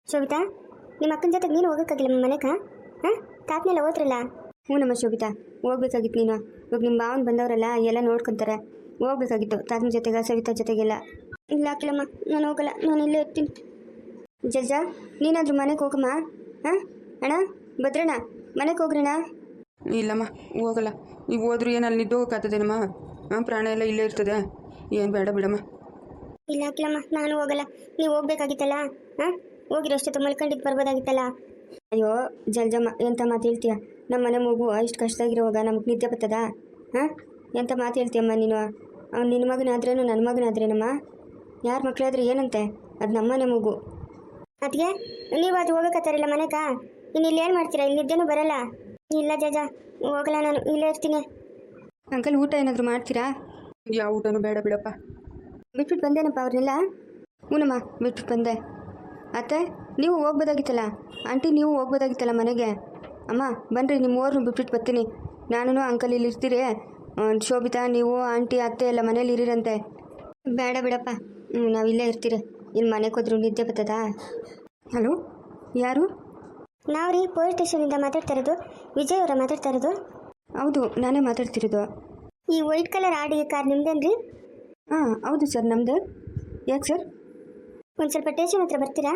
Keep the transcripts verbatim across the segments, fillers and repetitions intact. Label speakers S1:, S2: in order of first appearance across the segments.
S1: ಶೋಭಿತಾ, ನಿಮ್ಮ ಅಕ್ಕನ ಜೊತೆಗೆ ನೀನು ಹೋಗೋಕ್ಕಾಗಿಲ್ಲ ನಿಮ್ಮ ಮನೆಗೆ? ಹಾಂ, ತಾತನೆಲ್ಲ ಹೋದ್ರಲ್ಲ?
S2: ಹ್ಞೂ ನಮ್ಮ ಶೋಭಿತಾ, ಹೋಗ್ಬೇಕಾಗಿತ್ತು ನೀನು. ಇವಾಗ ನಿಮ್ಮ ಭಾವನ ಬಂದವರಲ್ಲ ಎಲ್ಲ ನೋಡ್ಕೊತಾರೆ. ಹೋಗ್ಬೇಕಾಗಿತ್ತು ತಾತನ ಜೊತೆಗೆ, ಸವಿತಾ ಜೊತೆಗೆಲ್ಲ.
S1: ಇಲ್ಲ ಅಕ್ಕಿಲಮ್ಮ, ನಾನು ಹೋಗಲ್ಲ, ನಾನು ಇಲ್ಲೇ ಇರ್ತೀನಿ.
S2: ಜಜ್ಜ, ನೀನಾದರೂ ಮನೆಗೆ ಹೋಗಮ್ಮ. ಹಾಂ ಅಣ್ಣ, ಭದ್ರಣ್ಣ, ಮನೆಗೆ ಹೋಗ್ರಣ್ಣ.
S3: ಇಲ್ಲಮ್ಮ, ಹೋಗಲ್ಲ. ನೀವು ಹೋದ್ರೂ ಏನು ಅಲ್ಲಿ ನಿದ್ದೋಗೋಕ್ಕಾಗ್ತದೇನಮ್ಮ? ಹಾಂ, ಪ್ರಾಣ ಎಲ್ಲ ಇಲ್ಲೇ ಇರ್ತದೆ. ಏನು ಬೇಡ ಬಿಡಮ್ಮ.
S1: ಇಲ್ಲ ಅಕ್ಕಿಲಮ್ಮ, ನಾನು ಹೋಗಲ್ಲ. ನೀವು ಹೋಗ್ಬೇಕಾಗಿತ್ತಲ್ಲ. ಹಾಂ, ಹೋಗಿರೋಷ್ಟೊತ್ತು ಮಲ್ಕೊಂಡಿದ್ದು ಬರ್ಬೋದಾಗಿತ್ತಲ್ಲ.
S2: ಅಯ್ಯೋ ಜಲ್ಜಮ್ಮ, ಎಂಥ ಮಾತು ಹೇಳ್ತೀಯ? ನಮ್ಮ ಮನೆ ಮಗು ಇಷ್ಟು ಕಷ್ಟದಾಗಿರುವಾಗ ನಮಗೆ ನಿದ್ದೆ ಬರ್ತದಾ? ಹಾಂ, ಎಂಥ ಮಾತು ಹೇಳ್ತೀಯಮ್ಮ ನೀನು? ಅವ್ನು ನಿನ್ನ ಮಗನಾದ್ರೇನು ನನ್ನ ಮಗನಾದ್ರೇನಮ್ಮ? ಯಾರ ಮಕ್ಕಳಾದ್ರೆ ಏನಂತೆ? ಅದು ನಮ್ಮನೆ ಮಗು.
S1: ಅದಕ್ಕೆ ನೀವು ಅದು ಹೋಗೋಕತ್ತಾರಿಲ್ಲ ಮನೆಗೆ. ಇನ್ನು ಇಲ್ಲಿ ಏನು ಮಾಡ್ತೀರಾ? ಇಲ್ಲಿ ನಿದ್ದೆನೂ ಬರಲ್ಲ. ಇಲ್ಲ ಜಜ, ಹೋಗಲ್ಲ, ನಾನು ಇಲ್ಲೇ ಇರ್ತೀನಿ.
S2: ಅಂಕಲ್, ಊಟ ಏನಾದರೂ ಮಾಡ್ತೀರಾ?
S3: ಯಾವ ಊಟನೂ ಬೇಡ ಬಿಡಪ್ಪ.
S2: ಬಿಟ್ಬಿಟ್ಟು ಬಂದೇನಪ್ಪ ಅವ್ರನ್ನೆಲ್ಲ. ಹ್ಞೂನಮ್ಮ, ಬಿಟ್ಬಿಟ್ಟು ಬಂದೆ. ಅತ್ತೆ, ನೀವು ಹೋಗ್ಬೋದಾಗಿತ್ತಲ್ಲ. ಆಂಟಿ, ನೀವು ಹೋಗ್ಬೋದಾಗಿತ್ತಲ್ಲ ಮನೆಗೆ. ಅಮ್ಮ ಬನ್ನಿರಿ, ನಿಮ್ಮ ಊರನ್ನು ಬಿಟ್ಬಿಟ್ಟು ಬರ್ತೀನಿ. ನಾನು ಅಂಕಲ್ ಇಲ್ಲಿ ಇರ್ತೀರಿ. ಶೋಭಿತಾ, ನೀವು ಆಂಟಿ ಅತ್ತೆ ಎಲ್ಲ ಮನೇಲಿ ಇರೀರಂತೆ. ಬೇಡ ಬಿಡಪ್ಪ, ಹ್ಞೂ ನಾವು ಇಲ್ಲೇ ಇರ್ತೀರಿ. ಇಲ್ಲಿ ಮನೆಗೆ ಹೋದ್ರು ನಿದ್ದೆ ಬರ್ತದಾ? ಹಲೋ, ಯಾರು?
S1: ನಾವು ರೀ ಪೊಲೀಸ್ ಸ್ಟೇಷನಿಂದ ಮಾತಾಡ್ತಾ ಇರೋದು. ವಿಜಯ್ ಅವರ ಮಾತಾಡ್ತಾ ಇರೋದು?
S2: ಹೌದು, ನಾನೇ ಮಾತಾಡ್ತಿರೋದು.
S1: ಈ ವೈಟ್ ಕಲರ್ ಆಡಿ ಕಾರ್ ನಿಮ್ದೇನ್ರಿ?
S2: ಹಾಂ ಹೌದು ಸರ್, ನಮ್ಮದೇ. ಯಾಕೆ ಸರ್?
S1: ಒಂದು ಸ್ವಲ್ಪ ಸ್ಟೇಷನ್ ಹತ್ರ ಬರ್ತೀರಾ?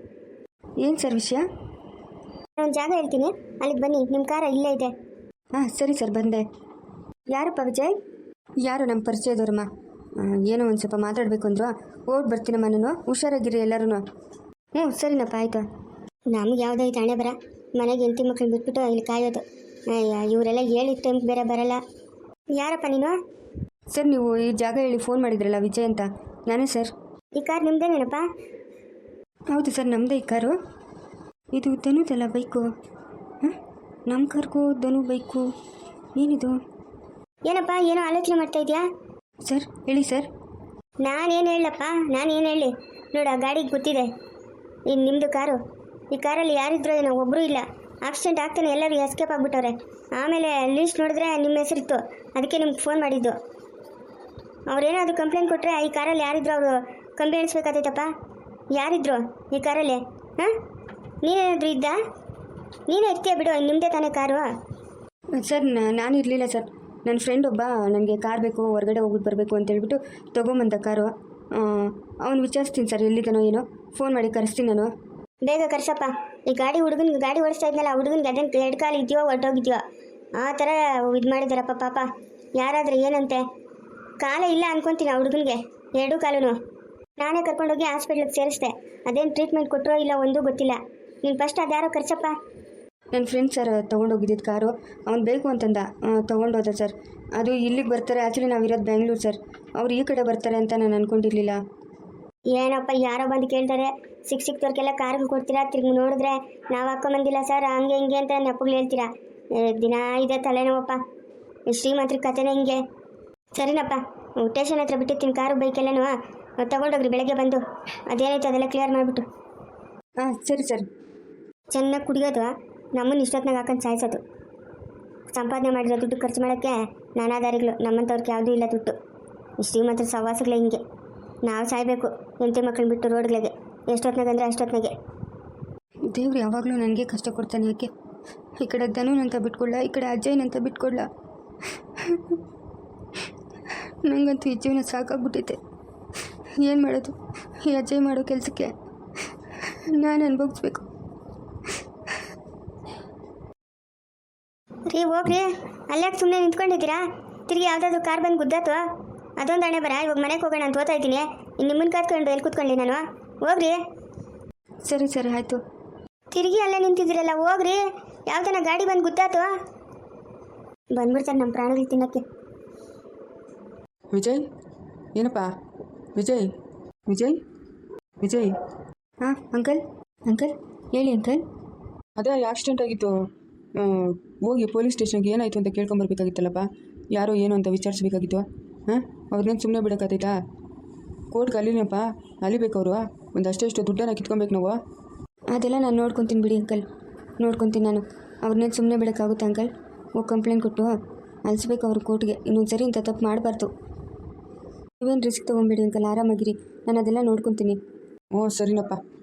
S2: ಏನು ಸರ್ ವಿಷಯ?
S1: ನಾನು ಜಾಗ ಹೇಳ್ತೀನಿ, ಅಲ್ಲಿಗೆ ಬನ್ನಿ. ನಿಮ್ಮ ಕಾರ ಇಲ್ಲೇ ಇದೆ.
S2: ಹಾಂ ಸರಿ ಸರ್, ಬಂದೆ. ಯಾರಪ್ಪ ವಿಜಯ್? ಯಾರು ನಮ್ಮ ಪರಿಚಯದವ್ರಮ್ಮ. ಏನೋ ಒಂದು ಸ್ವಲ್ಪ ಮಾತಾಡಬೇಕು ಅಂದರು. ಓಡ್ ಬರ್ತೀನಮ್ಮ ನಾನು, ಹುಷಾರಾಗಿರಿ ಎಲ್ಲರೂ. ಹ್ಞೂ ಸರಿನಪ್ಪ, ಆಯಿತು.
S1: ನಮ್ಗೆ ಯಾವುದೋ ಈ ತಾಣೆ ಬರ ಮನೆಗೆ ಹೆಂಡತಿ ಮಕ್ಳನ್ನ ಬಿಟ್ಬಿಟ್ಟು ಇಲ್ಲಿ ಕಾಯೋದು. ಅಯ್ಯ, ಇವರೆಲ್ಲ ಹೇಳಿದ ಟೈಮ್ಗೆ ಬೇರೆ ಬರಲ್ಲ. ಯಾರಪ್ಪ ನೀನು?
S2: ಸರ್, ನೀವು ಈ ಜಾಗ ಹೇಳಿ ಫೋನ್ ಮಾಡಿದ್ರಲ್ಲ, ವಿಜಯ್ ಅಂತ. ನಾನೇ ಸರ್.
S1: ಈ ಕಾರ್ ನಿಮ್ದೇನೇನಪ್ಪ?
S2: ಹೌದು ಸರ್, ನಮ್ಮದೇ ಈ ಕಾರು. ಇದು ಧನುದಲ್ಲ ಬೈಕು? ಹಾಂ, ನಮ್ಮ ಕಾರ್ಗೂ ಧನು ಬೈಕು ಏನಿದು?
S1: ಏನಪ್ಪ ಏನೋ ಆಲೋಚನೆ ಮಾಡ್ತಾ ಇದೆಯಾ?
S2: ಸರ್ ಹೇಳಿ ಸರ್.
S1: ನಾನೇನು ಹೇಳಪ್ಪ, ನಾನೇನು ಹೇಳಿ? ನೋಡು, ಆ ಗಾಡಿಗೆ ಗೊತ್ತಿದೆ ಇನ್ನು ನಿಮ್ಮದು ಕಾರು. ಈ ಕಾರಲ್ಲಿ ಯಾರಿದ್ರು ಏನೋ ಒಬ್ಬರೂ ಇಲ್ಲ. ಆಕ್ಸಿಡೆಂಟ್ ಆಗ್ತಾನೆ ಎಲ್ಲರೂ ಎಸ್ಕೇಪ್ ಆಗಿಬಿಟ್ಟವ್ರೆ. ಆಮೇಲೆ ಲೀಸ್ಟ್ ನೋಡಿದ್ರೆ ನಿಮ್ಮ ಹೆಸರಿತ್ತು, ಅದಕ್ಕೆ ನಿಮ್ಗೆ ಫೋನ್ ಮಾಡಿದ್ದು. ಅವ್ರೇನಾದ್ರು ಕಂಪ್ಲೇಂಟ್ ಕೊಟ್ಟರೆ ಈ ಕಾರಲ್ಲಿ ಯಾರಿದ್ರು ಅವರು ಕಂಬಿ ಎಣಿಸ್ಬೇಕಾತೈತಪ್ಪ. ಯಾರಿದ್ರು ಈ ಕಾರಲ್ಲಿ? ಹಾಂ, ನೀನೇನಾದರೂ ಇದ್ದ? ನೀನೇ ಇರ್ತೀಯ ಬಿಡು, ನಿಮ್ಮದೇ ತಾನೇ ಕಾರು.
S2: ಸರ್, ನಾನು ಇರಲಿಲ್ಲ ಸರ್. ನನ್ನ ಫ್ರೆಂಡ್ ಒಬ್ಬ ನನಗೆ ಕಾರ್ ಬೇಕು, ಹೊರಗಡೆ ಹೋಗ್ಬಿಟ್ಟು ಬರಬೇಕು ಅಂತ ಹೇಳ್ಬಿಟ್ಟು ತೊಗೊಂಬಂದ ಕಾರು. ಅವ್ನು ವಿಚಾರಿಸ್ತೀನಿ ಸರ್, ಎಲ್ಲಿದ್ದಾನೋ ಏನೋ. ಫೋನ್ ಮಾಡಿ ಕರೆಸ್ತೀನಿ ನಾನು.
S1: ಬೇಗ ಕರ್ಸಪ್ಪ. ಈ ಗಾಡಿ ಹುಡುಗನಿಗೆ ಗಾಡಿ ಓಡಿಸ್ತಾ ಇದ್ನಲ್ಲ, ಹುಡುಗನಿಗೆ ಅದೇನು ಎರಡು ಕಾಲು ಇದೆಯೋ ಹೊರಟೋಗಿದ್ಯೋ ಆ ಥರ ಇದು ಮಾಡಿದಾರಪ್ಪ ಪಾಪ. ಯಾರಾದರೂ ಏನಂತೆ? ಕಾಲೇ ಇಲ್ಲ ಅನ್ಕೊತೀನಿ ಆ ಹುಡುಗನಿಗೆ, ಎರಡೂ ಕಾಲೂ. ನಾನೇ ಕರ್ಕೊಂಡೋಗಿ ಹಾಸ್ಪಿಟ್ಲಿಗೆ ಸೇರಿಸ್ದೆ. ಅದೇನು ಟ್ರೀಟ್ಮೆಂಟ್ ಕೊಟ್ಟರೋ ಇಲ್ಲ ಒಂದೂ ಗೊತ್ತಿಲ್ಲ. ನೀನು ಫಸ್ಟ್ ಅದ್ಯಾರೋ ಕರ್ಸಪ್ಪ.
S2: ನನ್ನ ಫ್ರೆಂಡ್ ಸರ್ ತೊಗೊಂಡೋಗಿದ್ದಿದ್ದು ಕಾರು. ಅವ್ನು ಬೇಕು ಅಂತಂದ, ತೊಗೊಂಡೋದ ಸರ್. ಅದು ಇಲ್ಲಿಗೆ ಬರ್ತಾರೆ. ಆ್ಯಕ್ಚುಲಿ ನಾವಿರೋದು ಬೆಂಗಳೂರು ಸರ್. ಅವ್ರು ಈ ಕಡೆ ಬರ್ತಾರೆ ಅಂತ ನಾನು ಅಂದ್ಕೊಂಡಿರಲಿಲ್ಲ.
S1: ಏನಪ್ಪ, ಯಾರೋ ಬಂದು ಕೇಳ್ತಾರೆ, ಸಿಕ್ ಸಿಕ್ತವ್ರಿಗೆಲ್ಲ ಕಾರ್ಗಳು ಕೊಡ್ತೀರಾ, ತಿರ್ಗಿ ನೋಡಿದ್ರೆ ನಾವು ಹಾಕೊಂಬಂದಿಲ್ಲ ಸರ್, ಹಂಗೆ ಹಿಂಗೆ ಅಂತ ನೆಪ್ಪಗಳು ಹೇಳ್ತೀರಾ. ದಿನ ಇದೆ ತಲೆನೋವಪ್ಪ. ಶ್ರೀಮಂತ್ರ ಕಥೆನೇ ಹಿಂಗೆ. ಸರಿನಪ್ಪ, ಸ್ಟೇಷನ್ ಹತ್ರ ಬಿಟ್ಟಿರ್ತೀನಿ ಕಾರು ಬೈಕೆಲ್ಲನೂ. ತೊಗೊಂಡೋಗ್ರಿ ಬೆಳಗ್ಗೆ ಬಂದು. ಅದೇನೈತೆ ಅದೆಲ್ಲ ಕ್ಲಿಯರ್ ಮಾಡಿಬಿಟ್ಟು.
S2: ಹಾಂ ಸರಿ ಸರ್.
S1: ಚೆನ್ನಾಗಿ ಕುಡಿಯೋದು, ನಮ್ಮನ್ನು ಇಷ್ಟೊತ್ತಿನಾಗ ಹಾಕೊಂಡು ಸಾಯಿಸೋದು. ಸಂಪಾದನೆ ಮಾಡಿರೋ ದುಡ್ಡು ಖರ್ಚು ಮಾಡೋಕ್ಕೆ ನಾನಾ ದಾರಿಗಳು. ನಮ್ಮಂಥವ್ರಿಗೆ ಯಾವುದೂ ಇಲ್ಲ ದುಡ್ಡು. ಶ್ರೀಮಂತರ ಸವಾಸಗಳೇ ಹಿಂಗೆ. ನಾವು ಸಾಯಬೇಕು ಹೆಂಡತಿ ಮಕ್ಕಳನ್ನ ಬಿಟ್ಟು ರೋಡ್ಗಳಿಗೆ. ಎಷ್ಟೊತ್ತಿನಾಗ ಅಂದರೆ ಅಷ್ಟೊತ್ತಿನಾಗೆ.
S2: ದೇವ್ರು ಯಾವಾಗಲೂ ನನಗೆ ಕಷ್ಟ ಕೊಡ್ತಾನೆ. ಯಾಕೆ? ಈ ಕಡೆ ಧನುನಂತ ಬಿಟ್ಕೊಡ್ಲ, ಈ ಕಡೆ ಅಜ್ಜಯ್ಯನಂತ ಬಿಟ್ಕೊಡ್ಲ. ನನಗಂತೂ ಈ ಜೀವನ ಸಾಕಾಗ್ಬಿಟ್ಟೈತೆ. ಏನು ಮಾಡೋದು? ಈ ಅಜ್ಜಯ್ ಮಾಡೋ ಕೆಲಸಕ್ಕೆ ನಾನು ಅನುಭವಿಸ್ಬೇಕು.
S1: ರೀ ಹೋಗ್ರಿ, ಅಲ್ಲಾಕೆ ಸುಮ್ಮನೆ ನಿಂತ್ಕೊಂಡಿದ್ದೀರಾ? ತಿರುಗಿ ಯಾವುದಾದ್ರು ಕಾರ್ ಬಂದು ಗುದ್ದಾತು, ಅದೊಂದು ಹಣೆ ಬರ. ಇವಾಗ ಮನೆಗೆ ಹೋಗೋಣ ಅಂತ ಓದ್ತಾ ಇದ್ದೀನಿ. ಇನ್ನು ನಿಮ್ಮನ್ನು ಕಾತ್ಕೊಂಡು ಎಲ್ಲಿ ಕೂತ್ಕೊಳ್ಳಿ ನಾನು? ಹೋಗ್ರಿ.
S2: ಸರಿ ಸರಿ ಆಯಿತು.
S1: ತಿರುಗಿ ಅಲ್ಲೇ ನಿಂತಿದ್ದೀರಲ್ಲ, ಹೋಗ್ರಿ. ಯಾವ್ದನ ಗಾಡಿ ಬಂದು ಗುದ್ದಾತು, ಬಂದ್ಬಿಡ್ತಾರೆ ನಮ್ಮ ಪ್ರಾಣಿಗಳು ತಿನ್ನೋಕ್ಕೆ.
S3: ವಿಜಯ್, ಏನಪ್ಪ? ವಿಜಯ್, ವಿಜಯ್, ವಿಜಯ್.
S2: ಹಾಂ ಅಂಕಲ್, ಅಂಕಲ್ ಹೇಳಿ ಅಂಕಲ್.
S3: ಅದೇ ಆಕ್ಸಿಡೆಂಟ್ ಆಗಿತ್ತು, ಹೋಗಿ ಪೊಲೀಸ್ ಸ್ಟೇಷನ್ಗೆ ಏನಾಯಿತು ಅಂತ ಕೇಳ್ಕೊಂಬರ್ಬೇಕಾಗಿತ್ತಲ್ಲಪ್ಪ. ಯಾರೋ ಏನು ಅಂತ ವಿಚಾರಿಸ್ಬೇಕಾಗಿತ್ತು. ಹಾಂ, ಅವ್ರನ್ನೇನು ಸುಮ್ಮನೆ ಬಿಡೋಕ್ಕಾಗ್ತೈತಾ? ಕೋರ್ಟ್ಗೆ ಅಲ್ಲಿನಪ್ಪ, ಅಲಿಬೇಕು ಅವರು. ಒಂದು ಅಷ್ಟೆಷ್ಟು ದುಡ್ಡನ್ನು ಕಿತ್ಕೊಬೇಕು ನಾವು.
S2: ಅದೆಲ್ಲ ನಾನು ನೋಡ್ಕೊತೀನಿ ಬಿಡಿ ಅಂಕಲ್, ನೋಡ್ಕೊತೀನಿ ನಾನು. ಅವ್ರನ್ನೇನು ಸುಮ್ಮನೆ ಬಿಡೋಕ್ಕಾಗುತ್ತೆ ಅಂಕಲ್? ಹೋಗಿ ಕಂಪ್ಲೇಂಟ್ ಕೊಟ್ಟು ಅಲಿಸ್ಬೇಕು ಅವ್ರ ಕೋರ್ಟ್ಗೆ. ಇನ್ನೊಂದು ಸರಿ ಇಂಥ ತಪ್ಪು ಮಾಡಬಾರ್ದು. ನೀವೇನು ರಿಸ್ಕ್ ತೊಗೊಂಬೇಡಿ ಅಂಕಲ್, ಆರಾಮಾಗಿರಿ. ನಾನು ಅದೆಲ್ಲ ನೋಡ್ಕೊತೀನಿ.
S3: ಹ್ಞೂ ಸರಿನಪ್ಪ.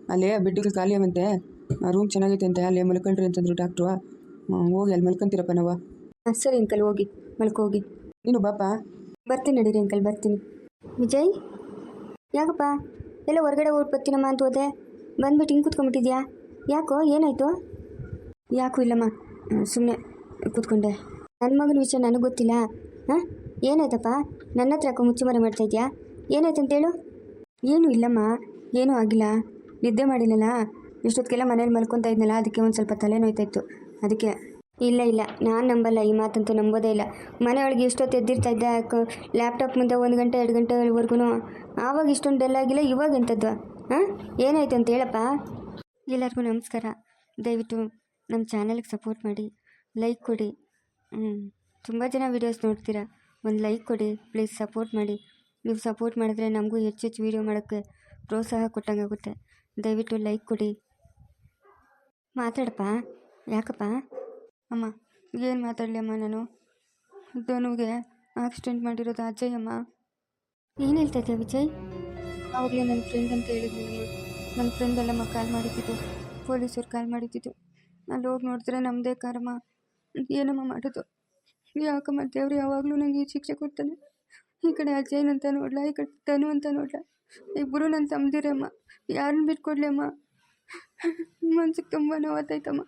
S3: ಅಲ್ಲೇ ಬೆಡ್ಗಳು ಖಾಲಿ ಅವಂತೆ ರೂಮ್ ಚೆನ್ನಾಗೈತೆ ಅಂತೆ ಅಲ್ಲೇ ಮಲ್ಕೊಂಡ್ರಿ ಅಂತಂದ್ರು ಡಾಕ್ಟ್ರು. ಹೋಗಿ ಅಲ್ಲಿ ಮಲ್ಕೊಂತೀರಪ್ಪ ನಾವು.
S2: ಹಾಂ ಸರಿ ಅಂಕಲ್, ಹೋಗಿ ಮಲ್ಕೋಗಿ.
S3: ನೀನು ಬಾಪ.
S2: ಬರ್ತೀನಿ ನಡೀರಿ ಅಂಕಲ್, ಬರ್ತೀನಿ. ವಿಜಯ್, ಯಾಕಪ್ಪ ಎಲ್ಲ ಹೊರಗಡೆ ಹೋಗಿ ಬರ್ತೀನಮ್ಮ ಅಂತ ಹೋದೆ, ಬಂದ್ಬಿಟ್ಟು ಹಿಂಗೆ ಕೂತ್ಕೊಂಡ್ಬಿಟ್ಟಿದ್ಯಾ? ಯಾಕೋ, ಏನಾಯಿತು? ಯಾಕೂ ಇಲ್ಲಮ್ಮ, ಸುಮ್ಮನೆ ಕೂತ್ಕೊಂಡೆ. ನನ್ನ ಮಗನ ವಿಷಯ ನನಗೆ ಗೊತ್ತಿಲ್ಲ. ಹಾಂ, ಏನಾಯ್ತಪ್ಪ? ನನ್ನ ಹತ್ರ ಯಾಕೋ ಮುಚ್ಚುಮರೆ ಮಾಡ್ತಾಯಿದ್ಯಾ? ಏನಾಯ್ತು ಅಂತೇಳು. ಏನೂ ಇಲ್ಲಮ್ಮ, ಏನೂ ಆಗಿಲ್ಲ. ನಿದ್ದೆ ಮಾಡಿಲ್ಲಲ್ಲ, ಇಷ್ಟೊತ್ತಿಗೆಲ್ಲ ಮನೇಲಿ ಮಲ್ಕೊತಾ ಇದ್ನಲ್ಲ, ಅದಕ್ಕೆ ಒಂದು ಸ್ವಲ್ಪ ತಲೆನೋಯ್ತಾಯಿತ್ತು, ಅದಕ್ಕೆ. ಇಲ್ಲ ಇಲ್ಲ, ನಾನು ನಂಬಲ್ಲ, ಈ ಮಾತಂತೂ ನಂಬೋದೇ ಇಲ್ಲ. ಮನೆಯೊಳಗೆ ಇಷ್ಟೊತ್ತು ಎದ್ದಿರ್ತಾ ಇದ್ದೆ, ಲ್ಯಾಪ್ಟಾಪ್ ಮುಂದೆ ಒಂದು ಗಂಟೆ ಎರಡು ಗಂಟೆವರೆಗೂ. ಆವಾಗ ಇಷ್ಟೊಂದು ಡೆಲ್ ಆಗಿಲ್ಲ, ಇವಾಗ ಎಂಥದ್ದು? ಹಾಂ, ಏನಾಯ್ತು ಅಂತ ಹೇಳಪ್ಪ. ಎಲ್ಲರಿಗೂ ನಮಸ್ಕಾರ. ದಯವಿಟ್ಟು ನಮ್ಮ ಚಾನಲ್ಗೆ ಸಪೋರ್ಟ್ ಮಾಡಿ, ಲೈಕ್ ಕೊಡಿ. ಹ್ಞೂ, ತುಂಬ ಜನ ವೀಡಿಯೋಸ್ ನೋಡ್ತೀರಾ, ಒಂದು ಲೈಕ್ ಕೊಡಿ ಪ್ಲೀಸ್, ಸಪೋರ್ಟ್ ಮಾಡಿ. ನೀವು ಸಪೋರ್ಟ್ ಮಾಡಿದ್ರೆ ನಮಗೂ ಹೆಚ್ಚು ಹೆಚ್ಚು ವೀಡಿಯೋ ಮಾಡೋಕ್ಕೆ ಪ್ರೋತ್ಸಾಹ ಕೊಟ್ಟಂಗಾಗುತ್ತೆ. ದಯವಿಟ್ಟು ಲೈಕ್ ಕೊಡಿ. ಮಾತಾಡಪ್ಪ, ಯಾಕಪ್ಪ? ಅಮ್ಮ, ಏನು ಮಾತಾಡಲಿ ಅಮ್ಮ ನಾನು? ಧನುಗೆ ಆಕ್ಸಿಡೆಂಟ್ ಮಾಡಿರೋದು ಅಜಯ್ ಅಮ್ಮ. ಏನು ಹೇಳ್ತಾ ಇದೆಯಾ ವಿಜಯ್? ಆವಾಗಲೇ ನನ್ನ ಫ್ರೆಂಡ್ ಅಂತ ಹೇಳಿದ್ನಮ್ಮ, ನನ್ನ ಫ್ರೆಂಡ್ ಅಲ್ಲಮ್ಮ ಕಾಲ್ ಮಾಡಿದ್ದಿದ್ದು, ಪೊಲೀಸರು ಕಾಲ್ ಮಾಡಿದ್ದಿದ್ದು. ಅಲ್ಲಿ ಹೋಗಿ ನೋಡಿದ್ರೆ ನಮ್ಮದೇ ಕಾರಮ್ಮ. ಏನಮ್ಮ ಮಾಡೋದು? ಯಾಕಮ್ಮ ದೇವ್ರು ಯಾವಾಗಲೂ ನನಗೆ ಈ ಶಿಕ್ಷೆ ಕೊಡ್ತಾನೆ? ಈ ಕಡೆ ಅಜಯ್ ಅಂತ ನೋಡ್ಲಾ, ಈ ಕಡೆ ಧನು ಅಂತ ನೋಡ್ಲಾ, ಇಬ್ಬರು ನನ್ನ ತಮ್ಮದಿರಮ್ಮ. ಯಾರನ್ನ ಬಿಟ್ಕೊಡ್ಲಿ ಅಮ್ಮ? ಮನ್ಸಿಗೆ ತುಂಬ ನೋವಾಗ್ತೈತಮ್ಮ.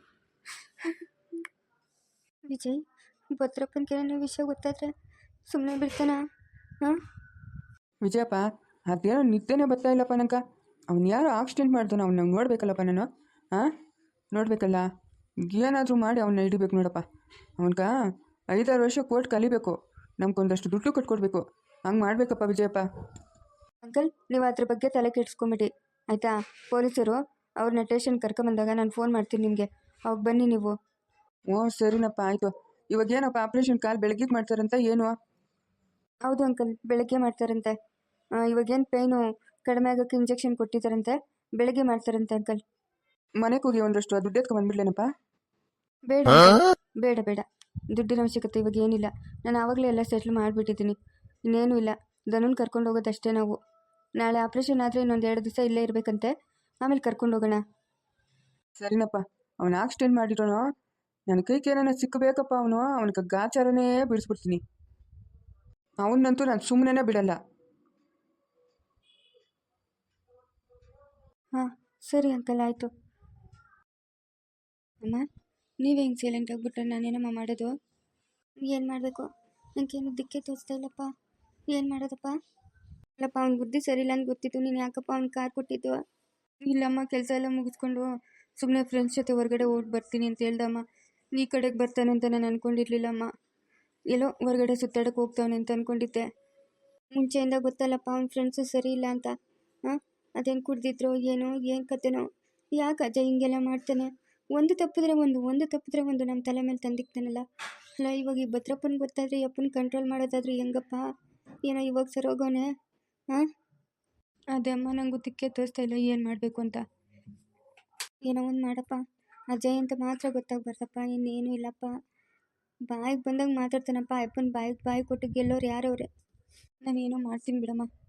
S2: ವಿಜಯ್, ಭದ್ರಪ್ಪನಿಗೆ ಏನೋ ವಿಷಯ ಗೊತ್ತಾದರೆ ಸುಮ್ಮನೆ ಬಿಡ್ತಾನ? ಹಾಂ
S3: ವಿಜಯಪ್ಪ, ಅದೇನೋ ನಿದ್ದೆನೇ ಬರ್ತಾ ಇಲ್ಲಪ್ಪ ನಂಕ. ಅವ್ನು ಯಾರೋ ಆಕ್ಸಿಡೆಂಟ್ ಮಾಡ್ತಾನೆ, ಅವ್ನು ನಂಗೆ ನೋಡ್ಬೇಕಲ್ಲಪ್ಪ ನಾನು. ಹಾಂ, ನೋಡಬೇಕಲ್ಲ, ಏನಾದರೂ ಮಾಡಿ ಅವನ್ನ ಹಿಡಿಬೇಕು ನೋಡಪ್ಪ. ಅವನ್ಕ ಐದಾರು ವರ್ಷ ಕೋರ್ಟ್ ಕಲಿಬೇಕು, ನಮ್ಗೊಂದಷ್ಟು ದುಡ್ಡು ಕಟ್ಕೊಡ್ಬೇಕು. ಹಂಗೆ ಮಾಡಬೇಕಪ್ಪ ವಿಜಯಪ್ಪ.
S2: ಅಂಕಲ್, ನೀವು ಅದ್ರ ಬಗ್ಗೆ ತಲೆ ಕೆಡಿಸ್ಕೊಂಬಿಡಿ ಆಯಿತಾ? ಪೊಲೀಸರು ಅವ್ರನ್ನ ಸ್ಟೇಷನ್ ಕರ್ಕೊಂಬಂದಾಗ ನಾನು ಫೋನ್ ಮಾಡ್ತೀನಿ ನಿಮಗೆ, ಅವಾಗ ಬನ್ನಿ ನೀವು.
S3: ಓ ಸರಿನಪ್ಪ, ಆಯಿತು. ಇವಾಗ ಏನಪ್ಪ ಆಪ್ರೇಷನ್ ಕಾಲ್ ಬೆಳಗ್ಗೆ ಮಾಡ್ತಾರಂತ ಏನು?
S2: ಹೌದು ಅಂಕಲ್, ಬೆಳಗ್ಗೆ ಮಾಡ್ತಾರಂತೆ. ಇವಾಗೇನು ಪೇಯ್ನು ಕಡಿಮೆ ಆಗೋಕ್ಕೆ ಇಂಜೆಕ್ಷನ್ ಕೊಟ್ಟಿದ್ದಾರಂತೆ, ಬೆಳಗ್ಗೆ ಮಾಡ್ತಾರಂತೆ ಅಂಕಲ್.
S3: ಮನೆಗೆ ಹೋಗಿ ಒಂದಷ್ಟು ದುಡ್ಡು ಎತ್ಕೊಂಡ್ಬಂದ್ಬಿಡ್ಲೇನಪ್ಪ?
S2: ಬೇಡ ಬೇಡ ಬೇಡ, ದುಡ್ಡಿನ ಅವಶ್ಯಕತೆ ಇವಾಗ ಏನಿಲ್ಲ. ನಾನು ಆವಾಗಲೇ ಎಲ್ಲ ಸೆಟ್ಲ್ ಮಾಡಿಬಿಟ್ಟಿದ್ದೀನಿ, ಇನ್ನೇನು ಇಲ್ಲ. ಧನುನ್ ಕರ್ಕೊಂಡು ಹೋಗೋದಷ್ಟೇ ನಾವು. ನಾಳೆ ಆಪ್ರೇಷನ್ ಆದರೆ ಇನ್ನೊಂದು ಎರಡು ದಿವಸ ಇಲ್ಲೇ ಇರಬೇಕಂತೆ, ಆಮೇಲೆ ಕರ್ಕೊಂಡು ಹೋಗೋಣ.
S3: ಸರಿನಪ್ಪ, ಅವನು ಆಕ್ಸಿಡೆಂಟ್ ಮಾಡಿರೋನು, ನನ್ನ ಕೈಗೆ ಏನಾನ ಸಿಕ್ಕಬೇಕಪ್ಪ. ಅವನು ಅವನಿಗೆ ಗಾಚಾರನೇ ಬಿಡಿಸ್ಬಿಡ್ತೀನಿ. ಅವನ್ನಂತೂ ನಾನು ಸುಮ್ಮನೆ ಬಿಡಲ್ಲ.
S2: ಹಾಂ ಸರಿ ಅಂಕಲ್, ಆಯಿತು. ಅಮ್ಮ, ನೀವೇ ಹಿಂಗೆ ಸೈಲೆಂಟ್ ಆಗಿಬಿಟ್ರೆ ನಾನೇನಮ್ಮ ಮಾಡೋದು? ಏನು ಮಾಡಬೇಕು? ನನಗೇನು ದಿಕ್ಕೆ ತೋರಿಸ್ತಾ ಇಲ್ಲಪ್ಪ. ಏನು ಮಾಡೋದಪ್ಪ? ಇಲ್ಲಪ್ಪ, ಅವ್ನ ಬುದ್ಧಿ ಸರಿ ಇಲ್ಲ ಅಂತ ಗೊತ್ತಿತ್ತು, ನೀನು ಯಾಕಪ್ಪ ಅವ್ನ ಕಾರ್ ಕೊಟ್ಟಿದ್ದು? ಇಲ್ಲಮ್ಮ, ಕೆಲಸ ಎಲ್ಲ ಮುಗಿಸ್ಕೊಂಡು ಸುಮ್ಮನೆ ಫ್ರೆಂಡ್ಸ್ ಜೊತೆ ಹೊರಗಡೆ ಹೋಗಿ ಬರ್ತೀನಿ ಅಂತ ಹೇಳ್ದಮ್ಮ. ಈ ಕಡೆಗೆ ಬರ್ತಾನೆ ಅಂತ ನಾನು ಅಂದ್ಕೊಂಡಿರ್ಲಿಲ್ಲಮ್ಮ. ಎಲ್ಲೋ ಹೊರಗಡೆ ಸುತ್ತಾಡಕ್ಕೆ ಹೋಗ್ತಾವನೆ ಅಂತ ಅಂದ್ಕೊಂಡಿದ್ದೆ. ಮುಂಚೆಯಿಂದ ಗೊತ್ತಲ್ಲಪ್ಪ ಅವ್ನ ಫ್ರೆಂಡ್ಸು ಸರಿ ಇಲ್ಲ ಅಂತ. ಹಾಂ, ಅದೇನು ಕುಡ್ದಿದ್ರು ಏನೋ, ಏನು ಕತೆನೋ, ಯಾಕೆ ಅಜಯ್ ಹಿಂಗೆಲ್ಲ ಮಾಡ್ತಾನೆ? ಒಂದು ತಪ್ಪಿದ್ರೆ ಒಂದು ಒಂದು ತಪ್ಪಿದ್ರೆ ಒಂದು ನಮ್ಮ ತಲೆ ಮೇಲೆ ತಂದಿಕ್ತಾನಲ್ಲ. ಅಲ್ಲ, ಇವಾಗ ಈ ಭದ್ರಪ್ಪನ ಗೊತ್ತಾದರೆ ಅಪ್ಪನ ಕಂಟ್ರೋಲ್ ಮಾಡೋದಾದ್ರೆ ಹೆಂಗಪ್ಪ? ಏನೋ ಇವಾಗ ಸರೋಗೋನೆ. ಹಾಂ, ಅದೇ ಅಮ್ಮ, ನನಗೂ ದಿಕ್ಕೆ ತೋರಿಸ್ತಾ ಇಲ್ಲ ಏನು ಮಾಡಬೇಕು ಅಂತ. ಏನೋ ಒಂದು ಮಾಡಪ್ಪ, ಅಜಯ್ ಅಂತ ಮಾತ್ರ ಗೊತ್ತಾಗ್ಬಾರ್ದಪ್ಪ, ಇನ್ನೇನು ಇಲ್ಲಪ್ಪ. ಬಾಯಿಗೆ ಬಂದಂಗೆ ಮಾತಾಡ್ತಾನಪ್ಪ, ಅಪ್ಪನ ಬಾಯಿಗೆ ಬಾಯಿ ಕೊಟ್ಟು ಗೆಲ್ಲೋರು ಯಾರವ್ರೆ? ನಾನೇನೋ ಮಾಡ್ತೀನಿ ಬಿಡಮ್ಮ.